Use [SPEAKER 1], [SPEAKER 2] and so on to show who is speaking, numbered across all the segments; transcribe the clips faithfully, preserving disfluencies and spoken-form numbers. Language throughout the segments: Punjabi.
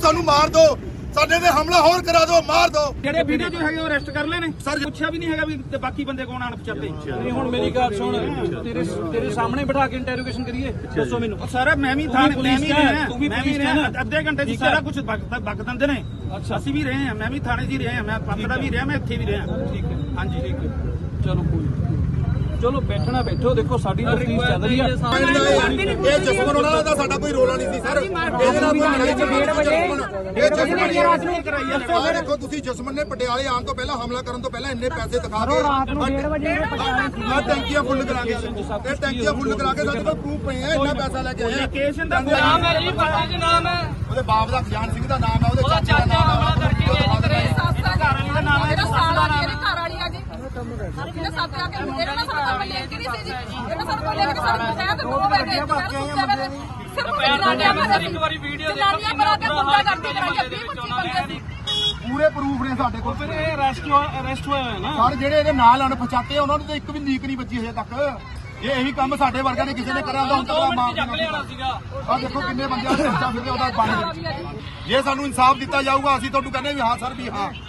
[SPEAKER 1] सानू मार दो, ਸਾਡੇ ਤੇ ਹਮਲਾ ਹੋਰ ਕਰਾ ਦਿਓ, ਮਾਰ ਦਿਓ।
[SPEAKER 2] ਜਿਹੜੇ ਵੀਡੀਓ ਜੋ ਹੈਗੇ ਉਹ ਅਰੈਸਟ ਕਰ ਲਏ ਨੇ ਸਰ, ਪੁੱਛਿਆ ਵੀ ਨਹੀਂ ਹੈਗਾ ਵੀ ਤੇ ਬਾਕੀ ਬੰਦੇ ਕੌਣ ਆਣ ਪਛਾਤੇ।
[SPEAKER 3] ਨਹੀਂ ਹੁਣ ਮੇਰੀ ਗੱਲ ਸੁਣ, ਤੇਰੇ ਤੇਰੇ ਸਾਹਮਣੇ ਬਿਠਾ ਕੇ ਇੰਟਰੋਗੇਸ਼ਨ ਕਰੀਏ, ਦੱਸੋ ਮੈਨੂੰ।
[SPEAKER 2] ਸਰ ਮੈਂ ਵੀ ਥਾਣੇ ਮੈਂ ਵੀ ਰਿਹਾ,
[SPEAKER 3] ਤੂੰ ਵੀ
[SPEAKER 2] ਮੈਂ ਵੀ ਰਿਹਾ, ਅੱਧੇ ਘੰਟੇ ਚ ਸਾਰਾ ਕੁਝ ਬਕ ਦਿੰਦੇ ਨੇ। ਅੱਛਾ ਅਸੀਂ ਵੀ ਰਹੇ ਹਾਂ, ਮੈਂ ਵੀ ਥਾਣੇ 'ਚ ਹੀ ਰਿਹਾ, ਮੈਂ ਪੱਕਦਾ ਵੀ ਰਿਹਾ, ਮੈਂ ਇੱਥੇ ਵੀ ਰਿਹਾ।
[SPEAKER 3] ਠੀਕ ਹੈ,
[SPEAKER 2] ਹਾਂਜੀ ਠੀਕ ਹੈ,
[SPEAKER 3] ਚਲੋ ਕੋਈ ਚਲੋ ਬੈਠਣਾ ਬੈਠੋ, ਦੇਖੋ ਸਾਡੀ ਤਫਤੀਸ਼ ਚੱਲ ਰਹੀ ਹੈ।
[SPEAKER 1] ਇਹ ਜਸਮਨ ਉਹਨਾਂ ਦਾ ਸਾਡਾ ਕੋਈ ਰੋਲਾ ਨਹੀਂ ਸੀ ਸਰ, ਇਹਦੇ ਨਾਲ ਕੋਈ ਲੜਾਈ ਝਗੜਾ ਨਹੀਂ। ਇਹ ਜਸਮਨ ਆ ਦੇਖੋ ਤੁਸੀਂ, ਜਸਮਨ ਨੇ ਪਟਿਆਲੇ ਆਉਣ ਤੋਂ ਪਹਿਲਾਂ ਹਮਲਾ ਕਰਨ ਤੋਂ ਪਹਿਲਾਂ ਇੰਨੇ ਪੈਸੇ ਦਿਖਾ ਕੇ ਰਾਤ ਨੂੰ ਡੇਢ ਵਜੇ ਆ ਟੈਂਕੀਆਂ ਫੁੱਲ ਕਰਾ ਕੇ, ਇਹ ਟੈਂਕੀਆਂ ਫੁੱਲ ਕਰਾ ਕੇ ਸਾਡੇ ਕੋਲ ਪ੍ਰੂਫ ਪਏ ਆ, ਇੰਨਾ ਪੈਸਾ ਲੈ ਕੇ ਆਏ।
[SPEAKER 2] ਲੋਕੇਸ਼ਨ ਦਾ ਨਾਮ ਹੈ ਜੀ, ਪਤਾ ਜੀ ਨਾਮ ਹੈ
[SPEAKER 1] ਉਹਦੇ ਬਾਪ ਦਾ ਖਜ਼ਾਨ ਸਿੰਘ ਦਾ ਨਾਮ ਹੈ, ਉਹਦੇ ਚਾਚੇ ਦਾ ਨਾਮ ਹੈ,
[SPEAKER 2] ਘਰ ਵਾਲੀ ਦਾ ਨਾਮ ਹੈ,
[SPEAKER 4] ਸਾਲ ਦਾ ਨਾਮ ਹੈ, ਘਰ ਵਾਲੀ ਆ ਜੀ। ਇਹਨੇ ਸਾਥ ਆ ਕੇ ਇਹਨਾਂ ਨਾਲ ਸਾਡਾ ਕੋਈ ਲਿੰਕ ਨਹੀਂ ਸੀ ਜੀ, ਇਹਨਾਂ ਸਾਨੂੰ ਕੋਈ ਲਿੰਕ ਸਾਨੂੰ ਪਤਾ ਤੇ ਨੌ ਵਜੇ ਸਿਰਫ ਜਨਾਨੀਆਂ ਮਾਰ ਇੱਕ ਵਾਰੀ ਵੀਡੀਓ ਦੇਖੋ ਜਨਾਨੀਆਂ ਮਾਰ ਕੇ ਗੁੰਡਾ ਕਰਦੀ ਕਰਾਂਗੇ ਵੀਹ ਪੱਚੀ ਬੰਦੇ ਸੀ।
[SPEAKER 1] ਪੂਰੇ ਪ੍ਰੂਫ ਨੇ ਸਾਡੇ ਕੋਲ।
[SPEAKER 3] ਫਿਰ ਇਹ ਅਰੈਸਟ ਅਰੈਸਟ ਹੋਇਆ ਹੈ ਨਾ
[SPEAKER 1] ਸਰ, ਜਿਹੜੇ ਇਹਦੇ ਨਾਲ ਅਣਪਛਾਤੇ ਉਹਨਾਂ ਨੂੰ ਤਾਂ ਇੱਕ ਵੀ ਲੀਕ ਨਹੀਂ ਵੱਜੀ ਹਜੇ ਤੱਕ। ਇਹ ਇਹੀ ਕੰਮ ਸਾਡੇ ਵਰਗਿਆਂ ਨੇ ਕਿਸੇ ਨੇ ਕਰਿਆ ਹੁੰਦਾ, ਹੁਣ ਤਾਂ ਮਾਰ ਦੇਣਾ ਸੀਗਾ। ਆ ਦੇਖੋ ਕਿੰਨੇ ਬੰਦਿਆਂ ਨੇ ਬੱਚਾ ਫਿਰਦੇ ਉਹਦਾ ਬਣ। ਜੇ ਸਾਨੂੰ ਇਨਸਾਫ ਦਿੱਤਾ ਜਾਊਗਾ ਅਸੀਂ ਤੁਹਾਨੂੰ ਕਹਿੰਦੇ ਵੀ ਹਾਂ ਸਰ, ਵੀ ਹਾਂ।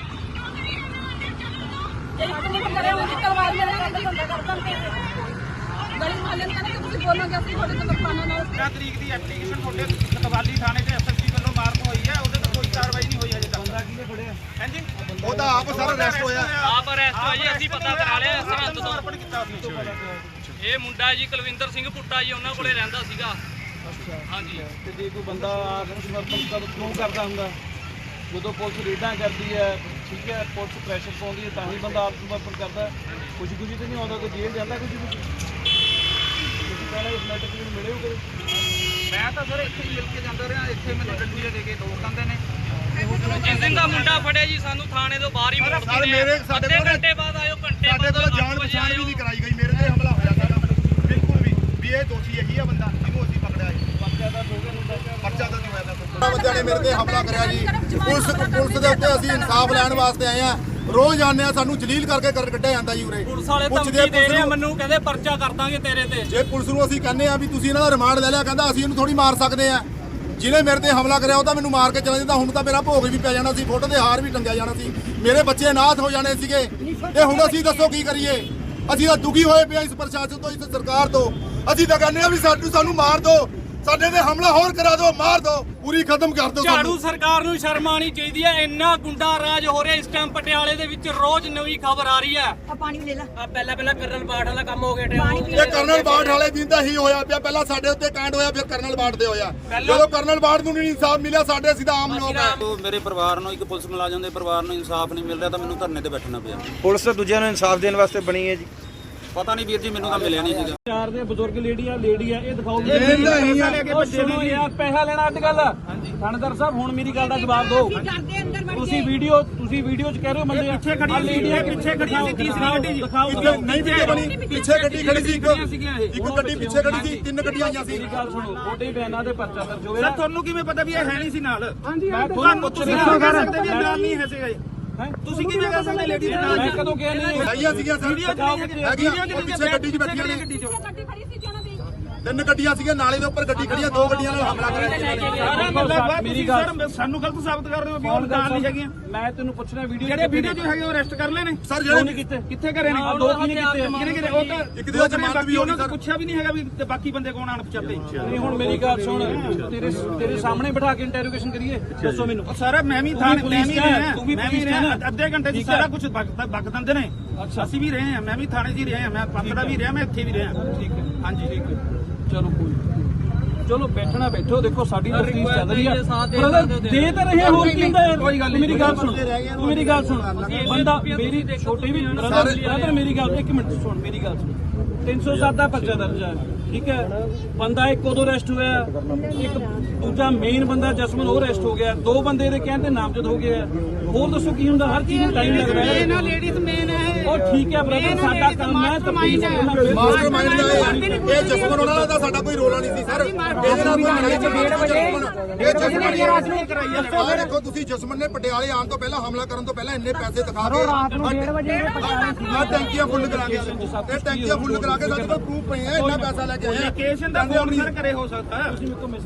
[SPEAKER 4] ਤਲਵਾਰ ਮੇਰੇ ਨਾਲ ਗੁੰਡਾ ਕਰ ਦਿੰਦੇ ਗਲੀ ਮਾਲੇ ਨੂੰ ਕਹਿੰਦੇ ਕਿ ਤੁਸੀਂ ਬੋਲੋਗੇ ਅਸੀਂ ਤੁਹਾਡੇ ਤੋਂ ਨੁਕਸਾਨਾਂ ਨਾਲ।
[SPEAKER 2] ਪੰਦਰਾਂ ਤਰੀਕ ਦੀ ਐਪਲੀਕੇਸ਼ਨ ਤੁਹਾਡੇ ਕਤਵਾਲੀ ਥਾਣੇ ਤੇ ਐਸਐਸਪੀ ਵੱਲੋਂ ਮਾਰਕ ਹੋਈ ਹੈ, ਉਹਦੇ ਤੇ ਕੋਈ ਕਾਰਵਾਈ ਨਹੀਂ ਹੋਈ ਹਜੇ ਤੱਕ। ਬੰਦਾ ਕਿਹਨੇ ਫੜਿਆ? ਹਾਂਜੀ
[SPEAKER 1] ਉਹ ਤਾਂ ਆਪ ਸਰ ਅਰੈਸਟ ਹੋਇਆ,
[SPEAKER 5] ਆਪ ਅਰੈਸਟ ਹੋਇਆ ਜੀ, ਅਸੀਂ ਪਤਾ ਕਰਾ ਲਿਆ ਸਰਹੰਦ ਤੋਂ।
[SPEAKER 2] ਅਰਪਣ ਕੀਤਾ
[SPEAKER 5] ਇਹ ਮੁੰਡਾ ਜੀ ਕੁਲਵਿੰਦਰ ਸਿੰਘ ਪੁੱਟਾ ਜੀ, ਉਹਨਾਂ ਕੋਲੇ ਰਹਿੰਦਾ ਸੀਗਾ। ਹਾਂਜੀ,
[SPEAKER 3] ਤੇ ਜੇ ਕੋਈ ਬੰਦਾ ਆਤਮ ਸਮਰਪਣ ਕਿਉਂ ਕਰਦਾ ਹੁੰਦਾ? ਜਦੋਂ ਪੁਲਿਸ ਰੇਡਾਂ ਕਰਦੀ ਹੈ, ਠੀਕ ਹੈ, ਪੁਲਿਸ ਪ੍ਰੈਸ਼ਰ ਪਾਉਂਦੀ ਹੈ, ਤਾਂ ਹੀ ਬੰਦਾ ਆਤਮ ਸਮਰਪਣ ਕਰਦਾ। ਕੁਝ ਕੁਝ ਤੇ ਨਹੀਂ ਆਉਂਦਾ, ਕੋਈ ਜੇਲ੍ਹ ਜਾਂਦਾ ਕੁਝ ਕੁਝ। ਤੁਸੀਂ ਪਹਿਲਾਂ ਇਸ ਮੈਟਰ ਨੂੰ ਮਿਲੇ ਹੋ ਕਦੇ?
[SPEAKER 2] ਮੈਂ ਤਾਂ ਸਰ ਇੱਥੇ ਹੀ ਮਿਲ ਕੇ ਜਾਂਦਾ ਰਿਹਾ, ਇੱਥੇ ਮੈਨੂੰ ਡੰਡੀ ਦੇ ਕੇ ਦੋ ਕਹਿੰਦੇ ਨੇ।
[SPEAKER 5] ਜਿਸ ਦਿਨ ਦਾ ਮੁੰਡਾ ਫੜਿਆ ਜੀ ਸਾਨੂੰ ਥਾਣੇ ਤੋਂ ਬਾਹਰ ਹੀ ਮੋੜ
[SPEAKER 1] ਸਰ ਮੇਰੇ ਸਾਡੇ
[SPEAKER 5] ਅੱਧੇ
[SPEAKER 1] ਕੋਲ
[SPEAKER 5] ਘੰਟੇ ਬਾਅਦ ਆਇਓ, ਘੰਟੇ
[SPEAKER 1] ਸਾਡੇ ਕੋਲ ਜਾਣ ਪਛਾਣ ਵੀ ਨਹੀਂ ਕਰਾਈ ਗਈ, ਮੇਰੇ ਤੇ ਹਮਲਾ ਹੋਇਆ ਸਾਡਾ ਬਿਲਕੁਲ ਵੀ ਵੀ ਇਹ ਦੋਸ਼ੀ ਇਹੀ ਆ ਬੰਦਾ ਜਿਹਨੂੰ ਅਸੀਂ ਪਕੜਿਆ ਜੀ। ਪਰਚਾ ਦਾ ਪਰਚਾ ਦਾ ਜੋ ਹੋਇਆ ਤਾਂ ਬੰਦਿਆਂ ਨੇ ਮੇਰੇ ਤੇ ਹਮਲਾ ਕਰਿਆ ਜੀ। ਪੁਲਿਸ ਪੁਲਿਸ ਦੇ ਉੱਤੇ ਅਸੀਂ ਇਨਸਾਫ ਲੈਣ ਵਾਸਤੇ ਆਏ ਆ। ਰੋਜ਼ ਆਉਂਦੇ ਆ, ਸਾਨੂੰ ਜਲੀਲ ਕਰਕੇ ਕਰ ਕੱਢਿਆ ਜਾਂਦਾ ਜੀ ਉਰੇ।
[SPEAKER 5] ਪੁਲਿਸ ਵਾਲੇ ਧਮਕੀ ਦੇ ਰਹੇ ਆ ਮੈਨੂੰ, ਕਹਿੰਦੇ ਪਰਚਾ ਕਰ ਦਾਂਗੇ ਤੇਰੇ ਤੇ।
[SPEAKER 1] ਜੇ ਪੁਲਿਸ ਨੂੰ ਅਸੀਂ ਕਹਿੰਦੇ ਆ ਵੀ ਤੁਸੀਂ ਇਹਨਾਂ ਦਾ ਰਿਮਾਂਡ ਲੈ ਲਿਆ, ਕਹਿੰਦਾ ਅਸੀਂ ਇਹਨੂੰ ਥੋੜੀ ਮਾਰ ਸਕਦੇ ਆ। ਜਿਹਨੇ ਮੇਰੇ ਤੇ ਹਮਲਾ ਕਰਿਆ ਉਹ ਤਾਂ ਮੈਨੂੰ ਮਾਰ ਕੇ ਚਲਾ ਜਾਂਦਾ, ਹੁਣ ਤਾਂ ਮੇਰਾ ਭੋਗ ਵੀ ਪੈ ਜਾਣਾ ਸੀ, ਫੋਟੋ ਦੇ ਹਾਰ ਵੀ ਟੰਗਿਆ ਜਾਣਾ ਸੀ, ਮੇਰੇ ਬੱਚੇ ਅਨਾਥ ਹੋ ਜਾਣੇ ਸੀਗੇ। ਤੇ ਹੁਣ ਅਸੀਂ ਦੱਸੋ ਕੀ ਕਰੀਏ? ਅਸੀਂ ਤਾਂ ਦੁਖੀ ਹੋਏ ਪਏ ਇਸ ਪ੍ਰਸ਼ਾਸਨ ਤੋਂ, ਇਸ ਸਰਕਾਰ ਤੋਂ। ਅਸੀਂ ਤਾਂ ਕਹਿੰਦੇ ਆ ਵੀ ਸਾਨੂੰ ਸਾਨੂੰ ਮਾਰ ਦਿਓ, ਸਾਡੇ ਤੇ ਹਮਲਾ ਹੋਰ ਕਰਾ ਦਿਓ, ਮਾਰ ਦਿਓ, ਪੂਰੀ ਖਤਮ ਕਰ ਦਿਓ।
[SPEAKER 5] ਝਾੜੂ ਸਰਕਾਰ ਨੂੰ ਸ਼ਰਮ ਆਉਣੀ ਚਾਹੀਦੀ ਹੈ, ਇੰਨਾ ਗੁੰਡਾ ਰਾਜ ਹੋ ਰਿਹਾ ਇਸ ਟਾਈਮ ਪਟਿਆਲੇ ਦੇ ਵਿੱਚ। ਰੋਜ਼ ਨਵੀਂ ਖਬਰ ਆ ਰਹੀ ਹੈ।
[SPEAKER 4] ਆ ਪਾਣੀ ਲੈ ਲੈ।
[SPEAKER 5] ਆ ਪਹਿਲਾਂ ਪਹਿਲਾਂ ਕਰਨਲ ਬਾਠ ਵਾਲਾ ਕੰਮ ਹੋ ਗਿਆ।
[SPEAKER 1] ਇਹ ਕਰਨਲ ਬਾਠ ਵਾਲੇ ਦਿਨ ਦਾ ਹੀ ਹੋਇਆ ਪਿਆ, ਪਹਿਲਾਂ ਸਾਡੇ ਉੱਤੇ ਕਾਂਡ ਹੋਇਆ, ਫਿਰ ਕਰਨਲ ਬਾਠ ਦੇ ਹੋਇਆ। ਜਦੋਂ ਕਰਨਲ ਬਾਠ ਨੂੰ ਨਹੀਂ ਇਨਸਾਫ ਮਿਲਿਆ, ਸਾਡੇ ਅਸੀਂ ਤਾਂ ਆਮ ਲੋਕ ਆ।
[SPEAKER 6] ਮੇਰੇ ਪਰਿਵਾਰ ਨੂੰ, ਇੱਕ ਪੁਲਿਸ ਮੁਲਾਜ਼ਮ ਦੇ ਪਰਿਵਾਰ ਨੂੰ ਇਨਸਾਫ ਨਹੀਂ ਮਿਲ ਰਿਹਾ, ਤਾਂ ਮੈਨੂੰ ਧਰਨੇ ਤੇ ਬੈਠਣਾ ਪਿਆ।
[SPEAKER 7] ਪੁਲਿਸ ਤਾਂ ਦੂਜਿਆਂ ਨੂੰ ਇਨਸਾਫ ਦੇਣ ਵਾਸਤੇ ਬਣੀ ਹੈ ਜੀ।
[SPEAKER 6] ਪਤਾ ਨਹੀਂ ਵੀਰ ਜੀ, ਮੈਨੂੰ ਤਾਂ ਮਿਲਿਆ ਨਹੀਂ ਸੀਗਾ।
[SPEAKER 3] ਚਾਰ ਦੇ ਬਜ਼ੁਰਗ ਲੇਡੀ ਆ, ਲੇਡੀ ਆ, ਇਹ ਦਿਖਾਓ।
[SPEAKER 2] ਉਹ
[SPEAKER 3] ਸੁਣੋ ਯਾਰ, ਪੈਸਾ ਲੈਣਾ ਅੱਜ ਕੱਲ। ਥਾਣੇਦਾਰ ਸਾਹਿਬ ਹੁਣ ਮੇਰੀ ਗੱਲ ਦਾ ਜਵਾਬ ਦਿਓ। ਤੁਸੀਂ ਵੀਡੀਓ ਤੁਸੀਂ ਵੀਡੀਓ 'ਚ ਕਹਿ ਰਹੇ ਹੋ ਬੰਦੇ
[SPEAKER 2] ਪਿੱਛੇ ਖੜੀ
[SPEAKER 3] ਲੇਡੀ ਆ,
[SPEAKER 2] ਪਿੱਛੇ ਖੜੀ ਸੀ, ਤੀਸਰੀ ਗੱਡੀ ਜੀ।
[SPEAKER 3] ਦਿਖਾਓ।
[SPEAKER 1] ਨਹੀਂ ਵੀਡੀਓ ਬਣੀ, ਪਿੱਛੇ ਗੱਡੀ ਖੜੀ ਸੀ, ਇੱਕ ਇੱਕ ਗੱਡੀ ਪਿੱਛੇ ਖੜੀ ਸੀ, ਤਿੰਨ ਗੱਡੀਆਂ ਆਈਆਂ ਸੀ।
[SPEAKER 3] ਮੇਰੀ ਗੱਲ ਸੁਣੋ, ਤੁਹਾਡੇ ਬਿਆਨਾਂ ਦੇ ਪਰਚਾ ਦਰਜ ਹੋਇਆ।
[SPEAKER 2] ਸਰ ਤੁਹਾਨੂੰ ਕਿਵੇਂ ਪਤਾ ਵੀ ਇਹ ਹੈ ਨਹੀਂ ਸੀ ਨਾਲ?
[SPEAKER 3] ਮੈਂ
[SPEAKER 2] ਤੁਹਾਨੂੰ ਤੁਸੀਂ ਕਿਵੇਂ ਕਹਿ ਸਕਦੇ ਵੀ ਇਹ ਨਾਲ ਨਹੀਂ ਹੈ ਸੀਗਾ? ਤੁਸੀਂ ਕਿਵੇਂ ਕਹਿ ਸਕਦੇ ਲੇਡੀ ਦੇ ਨਾਲ?
[SPEAKER 3] ਮੈਂ ਕਦੋਂ ਕਿਹਾ ਨਹੀਂ?
[SPEAKER 1] ਆਈਆਂ ਸੀਗੀਆਂ ਸਰ, ਹੈਗੀਆਂ ਉਹ ਪਿੱਛੇ ਗੱਡੀ 'ਚ ਬੈਠੀਆਂ ਨੇ।
[SPEAKER 4] ਗੱਡੀ ਖੜੀ ਸੀ ਜਿਹਨਾਂ ਦੀ
[SPEAKER 1] ਤਿੰਨ ਗੱਡੀਆਂ ਸੀਗੀਆਂ, ਨਾਲੇ ਦੇ ਉੱਪਰ ਗੱਡੀ ਖੜੀ ਆ, ਦੋ ਗੱਡੀਆਂ ਨਾਲ ਹਮਲਾ ਕਰਿਆ।
[SPEAKER 2] ਮੇਰੀ ਗੱਲ ਸਾਨੂੰ ਗਲਤ ਸਾਬਤ ਕਰ ਰਹੇ ਹੋ ਵੀ ਉਹ ਨਾਲ ਨਹੀਂ ਹੈਗੀਆਂ।
[SPEAKER 3] ਮੈਂ ਤੈਨੂੰ ਪੁੱਛਣਾ ਵੀਡੀਓ
[SPEAKER 2] ਜਿਹੜੇ ਵੀਡੀਓ ਜੋ ਹੈਗੇ ਉਹ ਅਰੈਸਟ ਕਰ ਲਏ ਨੇ
[SPEAKER 1] ਸਰ
[SPEAKER 3] ਜਿਹੜੇ
[SPEAKER 1] ਜਿਹੜੇ
[SPEAKER 3] ਕਿੱਥੇ
[SPEAKER 2] ਕਿੱਥੇ ਕਰੇ ਨੇ?
[SPEAKER 3] ਦੋ ਕਿਹਨੇ ਕੀਤੇ?
[SPEAKER 2] ਕਿਹਨੇ ਕਿਹਨੇ? ਉਹ ਤਾਂ
[SPEAKER 1] ਇੱਕ ਦੇ ਜ਼ਮਾਨਤ ਵੀ ਹੋਣੀ
[SPEAKER 2] ਉਹਨਾਂ
[SPEAKER 1] ਸਰ।
[SPEAKER 2] ਤੋਂ ਪੁੱਛਿਆ ਵੀ ਨਹੀਂ ਹੈਗਾ ਵੀ ਤੇ ਬਾਕੀ ਬੰਦੇ ਕੌਣ ਆਣ ਪਛਾਤੇ।
[SPEAKER 3] ਨਹੀਂ ਹੁਣ ਮੇਰੀ ਗੱਲ ਸੁਣ, ਤੇਰੇ ਤੇਰੇ ਸਾਹਮਣੇ ਬਿਠਾ ਕੇ ਇੰਟਰੋਗੇਸ਼ਨ ਕਰੀਏ, ਦੱਸੋ ਮੈਨੂੰ।
[SPEAKER 2] ਸਰ ਮੈਂ ਵੀ ਥਾਣੇ ਮੈਂ ਵੀ ਰਿਹਾ,
[SPEAKER 3] ਤੂੰ ਵੀ
[SPEAKER 2] ਮੈਂ ਵੀ ਰਿਹਾ, ਅੱਧੇ ਘੰਟੇ ਚ ਸਾਰਾ ਕੁਝ ਬਕ ਦਿੰਦੇ ਨੇ।
[SPEAKER 3] ਅੱਛਾ
[SPEAKER 2] ਅਸੀਂ ਵੀ ਰਹੇ ਹਾਂ, ਮੈਂ ਵੀ ਥਾਣੇ 'ਚ ਹੀ ਰਿਹਾ, ਮੈਂ ਪੱਕਦਾ ਵੀ ਰਿਹਾ, ਮੈਂ ਇੱਥੇ ਵੀ ਰਿਹਾ।
[SPEAKER 3] ਠੀਕ ਹੈ,
[SPEAKER 2] ਹਾਂਜੀ ਠੀਕ ਹੈ,
[SPEAKER 3] ਚਲੋ ਕੋਈ ਚਲੋ ਬੈਠਣਾ ਬੈਠੋ, ਦੇਖੋ ਸਾਡੀ ਤਫਤੀਸ਼ ਚੱਲ ਰਹੀ ਹੈ। ਬ੍ਰਦਰ ਦੇ ਤਾਂ ਰਹੇ ਹੋਰ ਕੀ ਹੁੰਦਾ ਯਾਰ? ਕੋਈ ਗੱਲ ਨਹੀਂ, ਮੇਰੀ ਗੱਲ ਸੁਣ, ਤੂੰ ਮੇਰੀ ਗੱਲ ਸੁਣ। ਬੰਦਾ ਮੇਰੀ ਛੋਟੀ ਵੀ ਬ੍ਰਦਰ ਬ੍ਰਦਰ ਮੇਰੀ ਗੱਲ ਇੱਕ ਮਿੰਟ ਸੁਣ, ਮੇਰੀ ਗੱਲ ਸੁਣ। ਤਿੰਨ ਸੌ ਸੱਤ ਦਾ ਪਰਚਾ ਦਰਜ ਹੈ, ਠੀਕ ਹੈ। ਬੰਦਾ ਇੱਕ ਉਦੋਂ ਅਰੈਸਟ ਹੋਇਆ, ਇੱਕ ਦੂਜਾ ਮੇਨ ਬੰਦਾ ਜਸਮਨ ਉਹ ਅਰੈਸਟ ਹੋ ਗਿਆ, ਦੋ ਬੰਦੇ ਇਹਦੇ ਕਹਿਣ ਤੇ ਨਾਮਜ਼ਦ ਹੋ ਗਿਆ। ਹੋਰ ਦੱਸੋ ਕੀ ਹੁੰਦਾ? ਹਰ ਚੀਜ਼ ਨੂੰ ਟਾਈਮ ਲੱਗਦਾ ਹੈ।
[SPEAKER 4] ਇਹਨਾਂ ਲੇਡੀਜ਼ ਮੇਨ ਹੈ।
[SPEAKER 3] ਉਹ ਠੀਕ ਹੈ ਬ੍ਰਦਰ, ਸਾਡਾ ਕੰਮ ਹੈ ਤਫਤੀਸ਼ ਕਰਨਾ।
[SPEAKER 1] ਮਾਸਟਰ ਮਾਈਂਡ ਦਾ ਇਹ ਜਸਮਨ ਉਹਨਾਂ ਦਾ ਸਾਡਾ ਕੋਈ ਰੋਲਾ ਨਹੀਂ ਸੀ ਸਰ, ਇਹਦੇ ਨਾਲ ਕੋਈ ਲੜਾਈ ਝਗੜਾ ਨਹੀਂ। ਇਹ ਜਸਮਨ ਆ ਦੇਖੋ ਤੁਸੀਂ, ਜਸਮਨ ਨੇ ਪਟਿਆਲੇ ਆਉਣ ਤੋਂ ਪਹਿਲਾਂ ਹਮਲਾ ਕਰਨ ਤੋਂ ਪਹਿਲਾਂ ਇੰਨੇ ਪੈਸੇ ਦਿਖਾ ਕੇ ਰਾਤ ਨੂੰ ਡੇਢ ਵਜੇ ਆ ਟੈਂਕੀਆਂ ਫੁੱਲ ਕਰਾ ਕੇ, ਇਹ ਟੈਂਕੀਆਂ ਫੁੱਲ ਕਰਾ ਕੇ ਸਾਡੇ ਕੋਲ ਪ੍ਰੂਫ ਪਏ ਆ, ਇੰਨਾ ਪੈਸਾ ਲੈ ਕੇ ਆਏ।
[SPEAKER 2] ਲੋਕੇਸ਼ਨ ਦਾ ਫੋਨ ਸਰ ਕਰੇ ਹੋ ਸਕਦਾ।